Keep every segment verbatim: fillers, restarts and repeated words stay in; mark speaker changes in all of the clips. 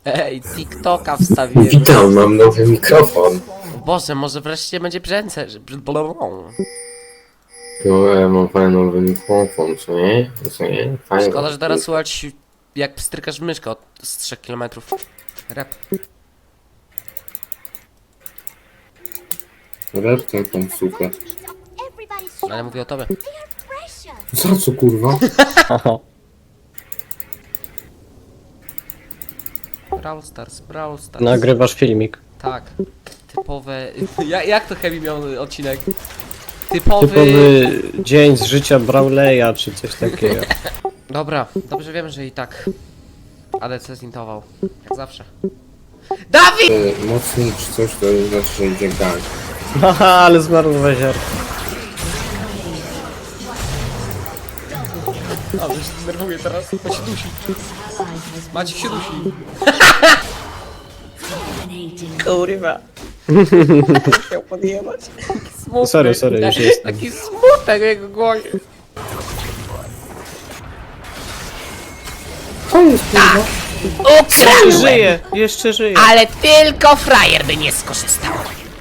Speaker 1: Ej, TikToka wstawiłem.
Speaker 2: Witam, mam nowy mikrofon.
Speaker 1: Boże, może wreszcie będzie brzęce.
Speaker 2: No, ja mam fajny nowy mikrofon, co nie? Co nie? Fajny.
Speaker 1: Szkoda, że teraz słuchać jak pstrykasz myszkę od z trzech kilometrów. Rap.
Speaker 2: Resztę tą sukę.
Speaker 1: Ale mówię o tobie.
Speaker 2: Za co, kurwa?
Speaker 1: Brawl Stars, Brawl Stars.
Speaker 3: Nagrywasz filmik.
Speaker 1: Tak. Typowe... Ja, jak to Heavy miał odcinek? Typowy...
Speaker 3: Typowy dzień z życia Brawleya czy coś takiego.
Speaker 1: Dobra, dobrze wiem, że i tak A D C zintował. Jak zawsze. Dawid!
Speaker 2: E, Mocniej czy coś, to znaczy, że idzie gang.
Speaker 3: Haha, ale zmarnowa ziarno.
Speaker 1: A, że się denerwuje teraz. On się dusi. Maciek się dusi.
Speaker 3: Kurwa. Chciał podjebać.
Speaker 1: Smutny.
Speaker 3: Sorry, sorry, już jestem.
Speaker 1: Taki smutek w jego głowie.
Speaker 2: Co jest, kurwa?
Speaker 3: Jeszcze żyje, jeszcze żyje.
Speaker 1: Ale tylko frajer by nie skorzystał.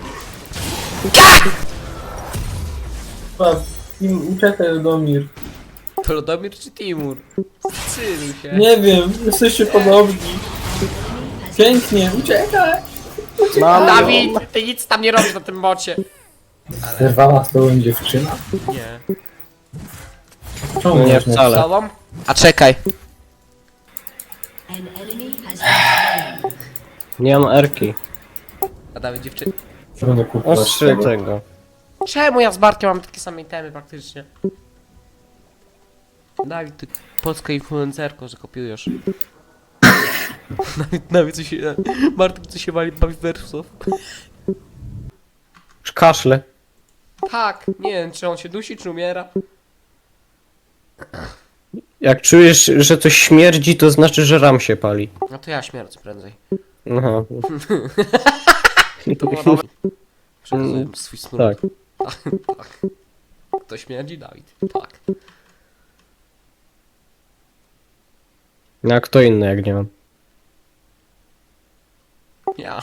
Speaker 4: Uciekaj, Lodomir.
Speaker 1: To Lodomir czy Timur? Zacyluj się.
Speaker 4: Nie wiem, jesteście podobni. Pięknie, uciekaj!
Speaker 3: Mam ją.
Speaker 1: Dawid, ty nic tam nie robisz na tym bocie.
Speaker 4: Zerwała z tobą dziewczyna?
Speaker 1: Nie.
Speaker 4: Czemu
Speaker 3: No nie
Speaker 4: masz na-
Speaker 3: wcale.
Speaker 1: Tobą? A czekaj.
Speaker 3: Nie mam erki.
Speaker 1: A Dawid dziewczyny.
Speaker 4: Będę kupować
Speaker 3: Ostrzy
Speaker 4: tego.
Speaker 3: tego.
Speaker 1: Czemu ja z Bartkiem mamy takie same itemy praktycznie? Dawid, ty polska influencerko, że kopiujesz. Nawet, nawet co się... Bartek co się wali bawi wersów.
Speaker 3: Kaszle.
Speaker 1: Tak, nie wiem czy on się dusi czy umiera.
Speaker 3: Jak czujesz, że coś śmierdzi, to znaczy, że ram się pali.
Speaker 1: No to ja śmierdzę prędzej.
Speaker 3: Aha.
Speaker 1: To było dobre. Przekazuję swój smród.
Speaker 3: Tak.
Speaker 1: Tak. Kto śmierdzi? Dawid. Tak.
Speaker 3: No a kto inny jak nie mam?
Speaker 1: Ja.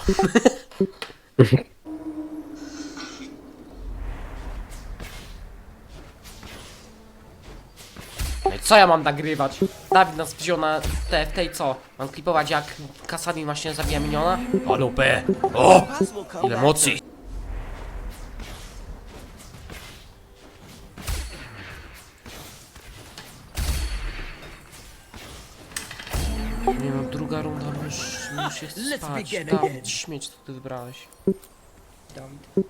Speaker 1: No i co ja mam nagrywać? Dawid nas wziął na T F T i co? Mam klipować jak Kasami właśnie zabija miniona? O lupę! O! Ile mocy! Nie no, druga runda już muszę spać. Dawid, śmieć co ty wybrałeś. Dawid.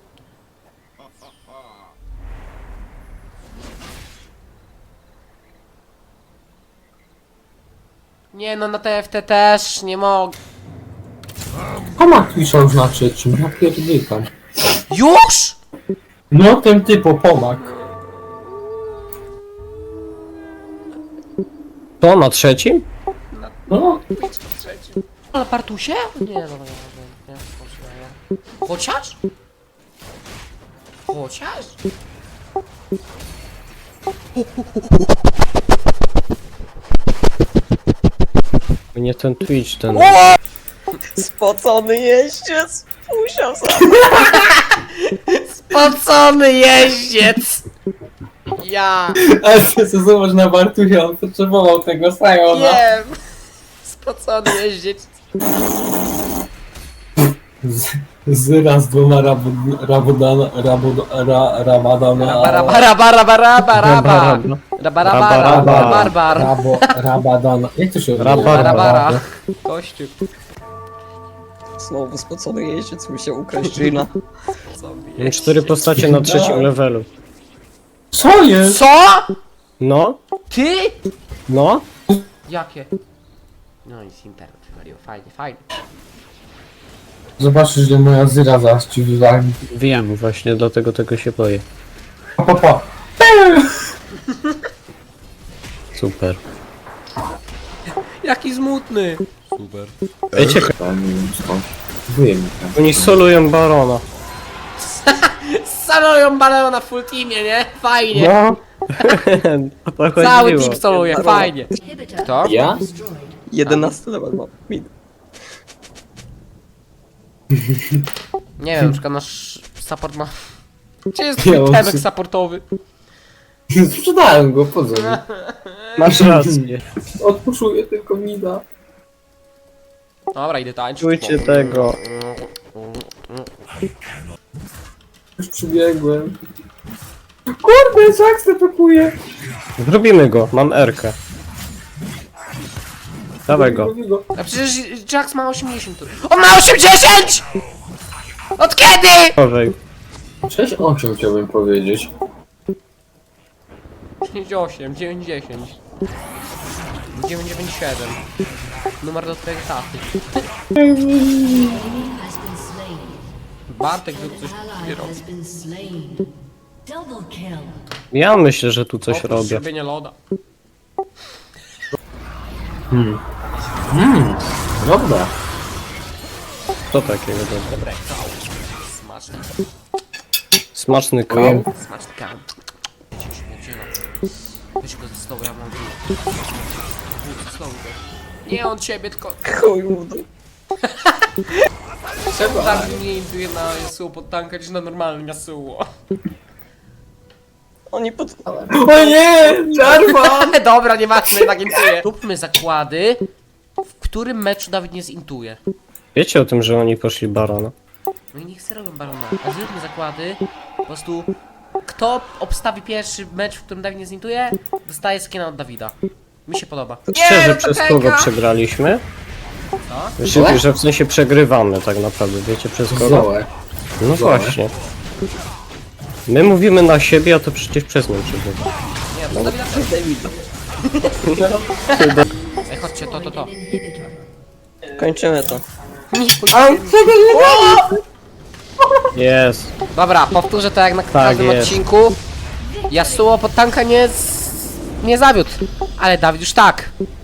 Speaker 1: Nie no, na T F T też nie mogę.
Speaker 4: Tomak pisze już na trzecim, ja pierdykam.
Speaker 1: Już?!
Speaker 4: No ten typo, pomak.
Speaker 3: To na trzecim?
Speaker 4: No,
Speaker 1: Ale Bartusie? Nie, no, nie, nie, nie, nie. Chociaż? Chociaż?
Speaker 3: Nie ten Twitch, ten...
Speaker 5: Spocony jeździec musiał sam.
Speaker 1: Spocony jeździec! Ja
Speaker 4: ale ty co zobacz na Bartusia, on potrzebował tego Sajona.
Speaker 1: wiem! Spocony jeździec.
Speaker 4: Z, z raz dwoma rabud, rabudana, rabud, ra, rabadana,
Speaker 1: Raba, raba, raba, raba, raba, raba. Raba, raba, raba,
Speaker 3: Raba.
Speaker 1: barbar.
Speaker 4: rabo, rabadana. Jak to się odbywa?
Speaker 3: Raba,
Speaker 1: Rabara. Kościół.
Speaker 5: Znowu spocony jeździec musiał ukraść Gina.
Speaker 3: Mam cztery postacie na trzecim levelu.
Speaker 4: Co jest?
Speaker 1: Co?
Speaker 3: No?
Speaker 1: Ty?
Speaker 3: No?
Speaker 1: Jakie? No i z internet wywaliło, fajnie, fajnie.
Speaker 4: Zobaczysz, że moja zyra zaraz ci wywali.
Speaker 3: Wiem, właśnie dlatego tego się boję.
Speaker 4: Pa, pa, pa.
Speaker 3: Super.
Speaker 1: Jaki smutny. Super.
Speaker 3: Wiecie,
Speaker 2: Tam, nie wiem skąd. Wuje mi tam.
Speaker 3: oni solują Barona.
Speaker 1: Saloją baleo na full teamie, nie? Fajnie.
Speaker 3: No. O to chodziło.
Speaker 1: Cały team soluje, fajnie. Kto?
Speaker 2: Ja?
Speaker 5: jedenasty level ma. Min.
Speaker 1: Nie wiem, na przykład nasz support ma... Gdzie jest
Speaker 4: Ja
Speaker 1: twój
Speaker 4: mam
Speaker 1: temek
Speaker 4: sy-
Speaker 1: supportowy?
Speaker 2: Sprzedałem go, po co mi?
Speaker 3: Masz rację.
Speaker 4: Odpuszuję tylko mida.
Speaker 1: Dobra, idę tańczyć.
Speaker 3: Czujcie tego.
Speaker 4: Już przybiegłem. Kurde, Jack zapakuje.
Speaker 3: Zrobimy go, mam Erkę. Dawaj go.
Speaker 1: A przecież Jax ma osiemdziesiąt. On ma osiemdziesiąt! Od kiedy?
Speaker 3: Dawaj.
Speaker 2: sześć osiem chciałbym powiedzieć.
Speaker 1: dziewięćdziesiąt osiem, dziewięćdziesiąt. dziewięćset dziewięćdziesiąt siedem. Numer do twojego taty. Bartek tu coś robi.
Speaker 3: Ja myślę, że tu coś
Speaker 1: Oprócz
Speaker 3: robię.
Speaker 1: robienia loda.
Speaker 2: Dobra.
Speaker 3: Co takiego dobra?
Speaker 1: Dobre, smaczny,
Speaker 3: Smaczny kał.
Speaker 1: smaczny kam. Weź go ze stołu, ja mam dół. Ze stołu go. Nie on ciebie, tylko...
Speaker 5: Chuj mu w dół.
Speaker 1: Czemu tak mnie induje na Yasuo pod tanka niż na normalnym Yasuo?
Speaker 5: Oni pod...
Speaker 4: O nie! Jarvan!
Speaker 1: Dobra, nieważne, jednak intuję. Róbmy zakłady, w którym meczu Dawid nie zintuje.
Speaker 3: Wiecie o tym, że oni poszli barona?
Speaker 1: No i niech sobie robią barona. A zróbmy zakłady, po prostu kto obstawi pierwszy mecz, w którym Dawid nie zintuje, dostaje skina od Dawida. Mi się podoba.
Speaker 3: Szczerze,
Speaker 1: no
Speaker 3: przez
Speaker 1: to
Speaker 3: kogo
Speaker 1: Tenka!
Speaker 3: przegraliśmy?
Speaker 1: Co?
Speaker 3: Że, że w sensie przegrywamy tak naprawdę, wiecie przez kogo?
Speaker 2: Zołę.
Speaker 3: No
Speaker 2: Zołę.
Speaker 3: właśnie. My mówimy na siebie, a to przecież przez nią przegrywa.
Speaker 1: Nie, przez Dawida też.
Speaker 5: Davida.
Speaker 1: Ej, chodźcie, to, to, to.
Speaker 5: Kończymy to.
Speaker 3: Jest.
Speaker 1: Dobra, powtórzę to jak na każdym
Speaker 3: jest.
Speaker 1: odcinku. Yasuo pod tanka nie, z... nie zawiódł. Ale Dawid już tak.